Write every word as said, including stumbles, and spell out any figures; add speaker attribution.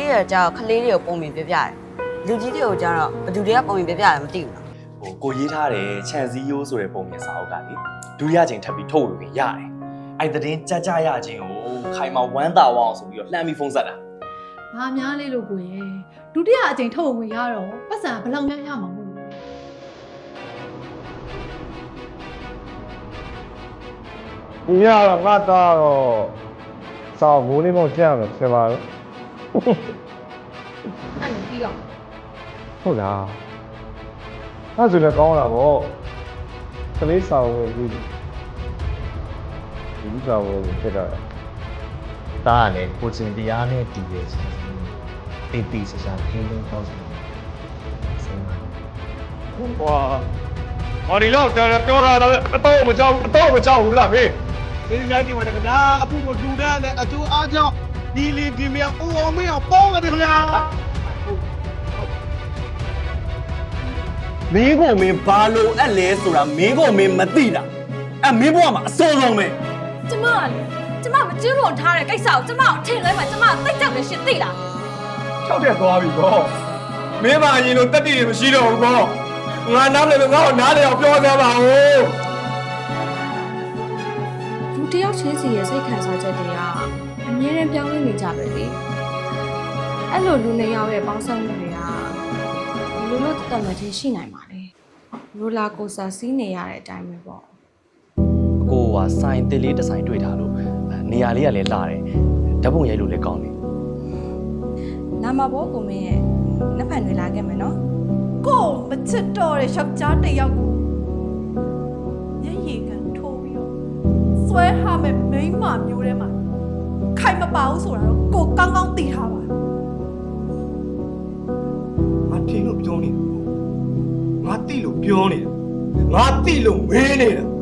Speaker 1: ရကြောက်ခလေးတွေကိုပုံမြင်ပြပြတယ်လူကြီးတွေကိုကျတော့ဘသူတွေကပုံမြင်ပြပြတယ်မသိဘူးနော်
Speaker 2: ဟိုကိုရေးထားတယ်ခြံစည်းရိုးဆိုတဲ့ပုံမြင်စာအုပ်ကလေဒုတိယချိန်ထပ်ပြီးထုတ်ဝေခွင့်ရတယ်အဲ့တဲ့တင်းကြကြရခြင်းကိုခိုင်မာဝမ်းသာဝအောင်ဆိုပြီးတော့လှမ်းပြီးဖုန်းဆက်တာ
Speaker 3: ဘာများလေးလို့ကိုရဲ့ဒုတိယအကြိမ်ထုတ်ဝင်ရတော့ပတ်စံဘယ်လောက်များရမှာမဟုတ်
Speaker 4: ဘူးညတော့ငါတော့စောင်းမိုးလေးမောင်ကြမ်းမယ်ဖြစ်ပါတော့
Speaker 3: အဲ့လိုပြီးတော့
Speaker 4: ဟုတ်လားအဲ့ဆိုလည်းကောင်းလာပေါ့ကလေးဆောင်ဝင်ပြီးဒီဆောင်ဝင်ဖြစ်တော့
Speaker 5: တားလည်းကိုစင်တရားနဲ့တည်ရချင်ပေပီစစားခင်းလုံးတော့စင်ပါ
Speaker 4: ဟွာဟောဒီလောက်ပြောတာတော့အတော့မကြောက်အတော့မကြောက်ဘူးလားဖေး
Speaker 6: ဒီနေ့ဒီမှာကဒါအပူကိုလူတဲ့နဲ့အကျိုးအားကြောင့်ဒီလီဒီမြေအိုအောင်မင်းအောင်ပေါင်းတယ်ခင်ဗျာ
Speaker 2: မင်းကိုမင်းဘာလို့အပ်လဲဆိုတာမင်းကိုမင်းမသိတာအဲ့မင်းဘဝမှာအစိုးဆုံးပဲ
Speaker 7: ကျမကလေကျမမကျူးလွန်ထားတဲ့ကိစ္စကိုကျမကိုထင်လဲမှာကျမသိကြတယ်ရှင်သိလား
Speaker 4: ၆တက်သွားပြီပေါ့မင်းပါရင်လို့တက်တည်မရှိတော့ဘူးပေါ့ငါနားလည်းငါ့ကိုနားလည်းအောင်ပြောကြပါဦး
Speaker 7: လူတယောက်ချင်းစီရဲ့စိတ်ခံစားချက်တွေကအမြဲတမ်းပြောင်းလဲနေကြပဲလေအဲ့လိုလူနှစ်ယောက်ရဲ့ပေါင်းစပ်မှုတွေကလူလို့တတ်မှတ်ချင်းရှိနိုင်ပါလေရိုလာကိုစတာစီးနေရတဲ့အတိုင်းပဲပေါ့
Speaker 2: အကိုကစိုင်းတစ်လေးတစ်ဆိုင်တွေ့ထားလို့နေရာလေးကလည်းလာတယ်ဓာတ်ပုံရိုက်လို့လည်းကောင်းတယ်
Speaker 7: နာမဘောကိုမင်းရဲ့နှစ်ဖက်တွေလာခဲ့မယ်နော်
Speaker 3: ကိုမချစ်တော့တဲ့ယောက်ျားတစ်ယောက်ကိုညရည်ကန်ထိုးပြီးတော့ဆွဲထားမဲ့မိန်းမမျိုးထဲမှာခိုင်မပါဘူးဆိုတာတော့ကိုကောင်းကောင်းသိထားပါ
Speaker 6: ငါထင်လို့ပြောနေတာငါတိလို့ပြောနေတာငါတိလို့မင်းနေတာ